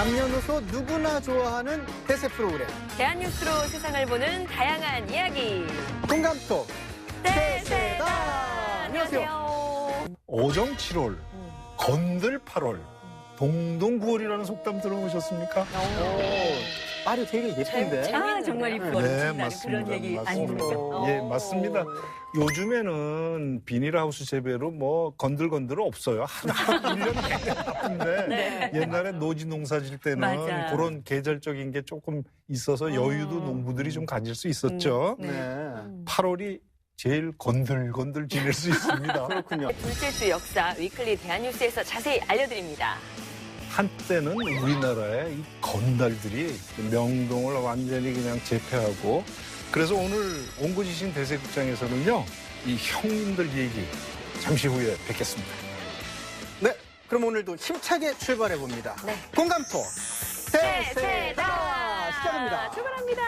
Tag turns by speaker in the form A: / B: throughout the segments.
A: 남녀노소 누구나 좋아하는 대세 프로그램
B: 대한뉴스로 세상을 보는 다양한 이야기.
A: 동감톡
B: 대세다.
A: 안녕하세요.
C: 오정 7월, 건들 8월, 동동 9월이라는 속담 들어보셨습니까?
A: 말이 되게 예쁜데.
B: 정말
C: 네, 맞습니다.
D: 그런 얘기
C: 맞습니다.
D: 아닙니까?
C: 예, 맞습니다. 요즘에는 비닐하우스 재배로 뭐 건들건들 없어요. 하나 1년 내내 바쁜데
B: 네.
C: 옛날에 노지 농사 질 때는
D: 맞아.
C: 그런 계절적인 게 조금 있어서 여유도 농부들이 좀 가질 수 있었죠.
A: 네.
C: 8월이 제일 건들건들 지낼 수 있습니다.
A: 그렇군요.
B: 둘째 주 역사 위클리 대한뉴스에서 자세히 알려드립니다.
C: 한때는 우리나라의 이 건달들이 명동을 완전히 그냥 제패하고 그래서 오늘 옹고지신 대세극장에서는요 이 형님들 얘기 잠시 후에 뵙겠습니다.
A: 네. 그럼 오늘도 힘차게 출발해 봅니다.
B: 네.
A: 동감톡
B: 대세다.
A: 대세다 시작합니다.
B: 출발합니다.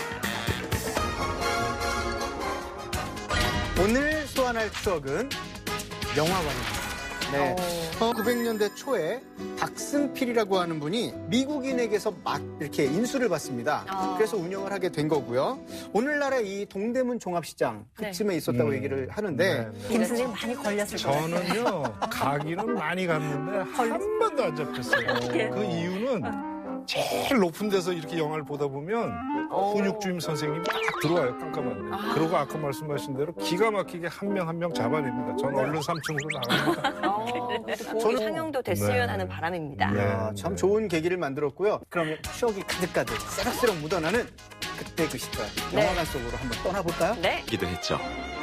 A: 오늘 소환할 추억은 영화관입니다. 네. 900년대 초에 박승필이라고 하는 분이 미국인에게서 막 이렇게 인수를 받습니다. 그래서 운영을 하게 된 거고요. 오늘날의 이 동대문 종합시장 그쯤에 있었다고 얘기를 하는데
D: 김 선생님 많이 걸렸을 거예요.
C: 저는요 가기는 많이 갔는데 한 번도 안 잡혔어요. 그 이유는 제일 높은 데서 이렇게 영화를 보다 보면 훈육주임 선생님이 딱 들어와요 깜깜한데. 그리고 아까 말씀하신 대로 기가 막히게 한 명 한 명 잡아냅니다. 저는 얼른 3층으로 나갑니다.
B: 저는 상영도 됐으면
C: 네.
B: 하는 바람입니다.
C: 네.
A: 아, 참 좋은 계기를 만들었고요. 그러면 추억이 가득가득 새록새록 묻어나는 그때 그 시절
B: 네.
A: 영화관 속으로 한번 떠나볼까요?
B: 네.
E: 기도 했죠.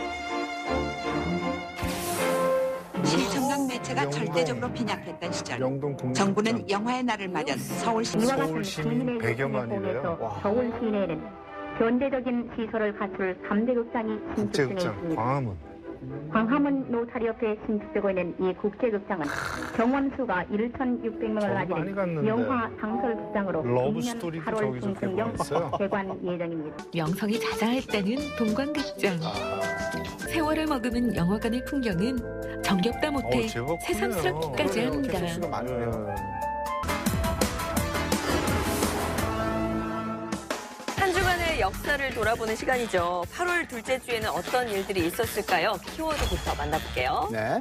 F: 시청각 매체가
C: 영동.
F: 절대적으로 빈약했던 시절
C: 영동 국립극장.
F: 정부는 영화의 날을 맞은 서울시
C: 서울 시민 100여만이래요.
A: 와.
G: 서울 시내에는 현대적인 시설을 갖출 3대 극장이 신축 중에
C: 국제극장
G: 있습니다.
C: 광화문.
G: 광화문 노타리 옆에 신축되고 있는 이 국제극장은 경원수가 1,600명을
C: 저도 많이
G: 가지는
C: 갔는데.
G: 영화 상설극장으로
C: 러브
G: 내년
C: 스토리도
G: 8월
C: 저기서
G: 중순경
C: 개봉했어요.
G: 개관 예정입니다.
H: 명성이 자자했다는 동광극장. 세월을 머금은 영화관의 풍경은 정겹다 못해
C: 제법
H: 새삼스럽기까지
C: 크네요.
H: 합니다.
A: 개수가 많네요.
B: 한 주간의 역사를 돌아보는 시간이죠. 8월 둘째 주에는 어떤 일들이 있었을까요? 키워드부터 만나볼게요.
A: 네.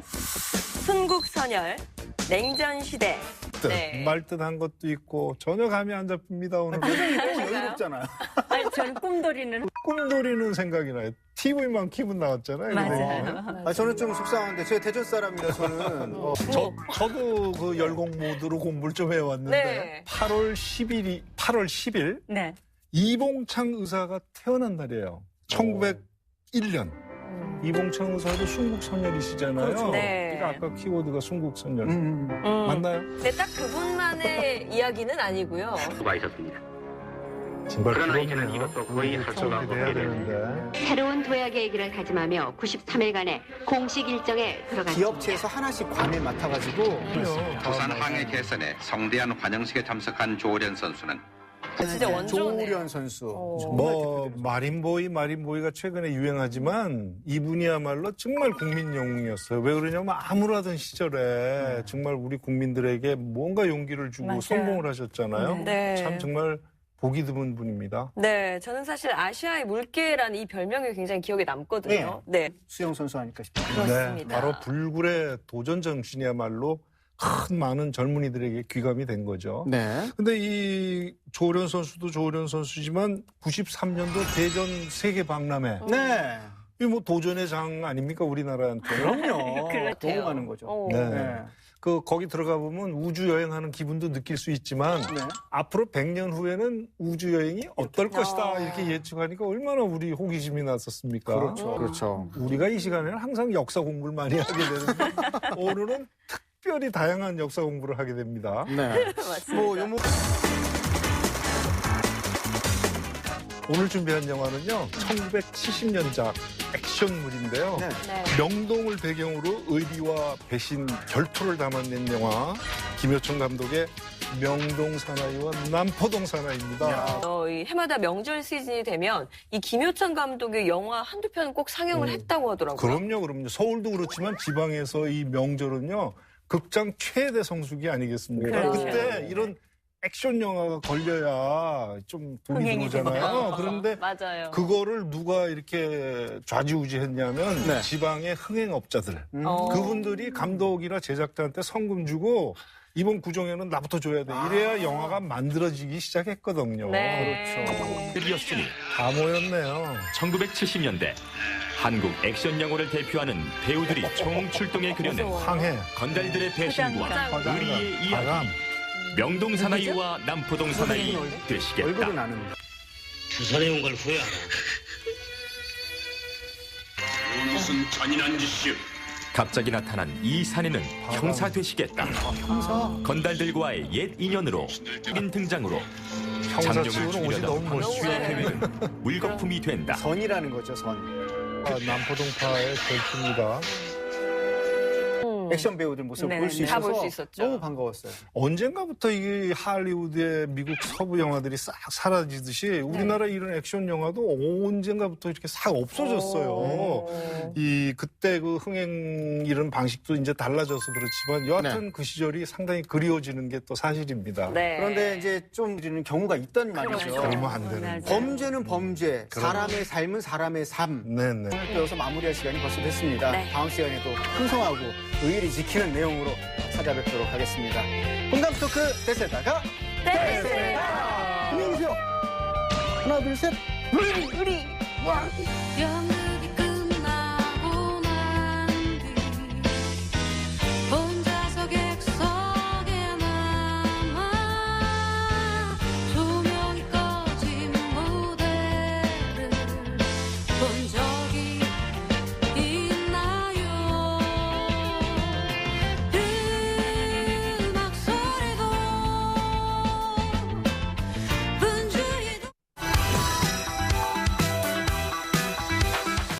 B: 순국선열, 냉전시대. 네.
C: 말듯한 것도 있고 전혀 감이 안 잡힙니다 오늘.
A: 여유롭잖아요.
D: 아니, 저는 꿈돌이는
C: 꿈돌이는 생각이 나요. TV만 키면 나왔잖아요.
D: 맞아요.
A: 아, 저는 좀 속상한데 제가 대전 사람이라 저는
C: 저도 그 열공 모드로 공부를 좀 해왔는데
B: 네.
C: 8월 10일
D: 네.
C: 이봉창 의사가 태어난 날이에요. 1901년. 이봉창 의사도 순국선열이시잖아요.
A: 그렇죠.
B: 네.
C: 그러니까 아까 키워드가 순국선열.
B: 음.
C: 맞나요?
B: 근데 딱 그분만의 이야기는 아니고요.
E: 수가 있었습니다.
C: 정말
E: 그러나
C: 부럽네요.
E: 이제는 이것도 거의 할 수가 없게
C: 돼야
E: 되는데.
C: 되는데.
I: 새로운 도약 계획을 다짐하며 93일간의 공식 일정에 들어갔습니다.
A: 기업체에서 하나씩 관을 맡아가지고
E: 부산 항해 개선에 성대한 환영식에 참석한 조련 선수는
B: 진짜 원조네.
A: 조우련 선수.
C: 뭐 마린보이가 최근에 유행하지만 이분이야말로 정말 국민 영웅이었어요. 왜 그러냐면 아무라던 시절에 정말 우리 국민들에게 뭔가 용기를 주고
D: 맞아요.
C: 성공을 하셨잖아요.
B: 네.
C: 참 정말 보기 드문 분입니다.
B: 네, 저는 사실 아시아의 물개라는 이 별명이 굉장히 기억에 남거든요. 네.
A: 수영 선수 아닐까 싶어요.
B: 그렇습니다.
C: 네, 바로 불굴의 도전 정신이야말로 큰 많은 젊은이들에게 귀감이 된 거죠.
A: 네.
C: 근데 이 조련 선수도 조련 선수지만 93년도 대전 세계 박람회.
A: 네.
C: 이 뭐 도전의 장 아닙니까 우리나라한테?
A: 그럼요.
B: 그렇대요.
A: 너무 많은 거죠.
B: 어.
C: 네.
A: 네.
C: 그 거기 들어가 보면 우주 여행하는 기분도 느낄 수 있지만
A: 네.
C: 앞으로 100년 후에는 우주 여행이 어떨 것이다 이렇게 예측하니까 얼마나 우리 호기심이 났었습니까?
A: 그렇죠. 그렇죠.
C: 우리가 이 시간에는 항상 역사 공부를 많이 하게 되는데 오늘은 특별히 다양한 역사 공부를 하게 됩니다.
A: 네.
B: 맞습니다.
A: 뭐 요모
C: 오늘 준비한 영화는요 1970년작 액션물인데요.
A: 네.
B: 네.
C: 명동을 배경으로 의리와 배신, 결투를 담아낸 영화 김효청 감독의 명동 사나이와 남포동 사나이입니다.
B: 이 해마다 명절 시즌이 되면 이 김효찬 감독의 영화 한두 편 꼭 상영을 했다고 하더라고요.
C: 그럼요. 서울도 그렇지만 지방에서 이 명절은요 극장 최대 성수기 아니겠습니까?
B: 그렇죠.
C: 그때 이런 액션 영화가 걸려야 좀 돈이
D: 흥행이
C: 들어오잖아요. 그런데
B: 맞아요.
C: 그거를 누가 이렇게 좌지우지했냐면
A: 네.
C: 지방의 흥행업자들. 그분들이 감독이나 제작자한테 성금 주고 이번 구정에는 나부터 줘야 돼. 이래야 영화가 만들어지기 시작했거든요.
B: 네.
C: 그렇죠.
J: 이었으니
C: 다 모였네요.
J: 1970년대 한국 액션 영화를 대표하는 배우들이 총출동해 그려낸
C: 황해,
J: 건달들의 배신과 의리의 이야기.
C: 바람.
J: 명동 사나이와 남포동 사나이 되시겠다.
A: 얼굴은 아는데.
K: 부산에 온 걸 후회하나?
E: 무슨 잔인한 짓이오.
J: 갑자기 나타난 이 사내는 형사 되시겠다. 건달들과의 옛 인연으로 인 등장으로 장룡을
C: 형사치고는 옷이 너무
J: 죽이려던
C: 멋있어요.
J: 황씨의 계획은 물거품이 된다.
A: 선이라는 거죠, 선.
C: 남포동파의 결투입니다.
A: 액션 배우들 모습을
B: 네네,
A: 볼 수
B: 다
A: 있어서
B: 볼 수 있었죠.
A: 너무 반가웠어요.
C: 언젠가부터 이 할리우드의 미국 서부 영화들이 싹 사라지듯이 우리나라 이런 액션 영화도 언젠가부터 이렇게 싹 없어졌어요. 이 그때 그 흥행 이런 방식도 이제 달라져서 그렇지만 여하튼 그 시절이 상당히 그리워지는 게 또 사실입니다.
B: 네.
A: 그런데 이제 좀 이르는 경우가 있단 말이죠.
C: 그러면 안 되는 거.
A: 범죄는 범죄, 사람의 삶은 사람의 삶.
C: 네네.
A: 오늘 배워서 마무리할 시간이 벌써 됐습니다.
B: 네.
A: 다음 시간에도 풍성하고 의리 지키는 내용으로 찾아뵙도록 하겠습니다. 공감 토크 대세다가
B: 대세다.
A: 안녕히 계세요. 하나, 둘, 셋.
H: 영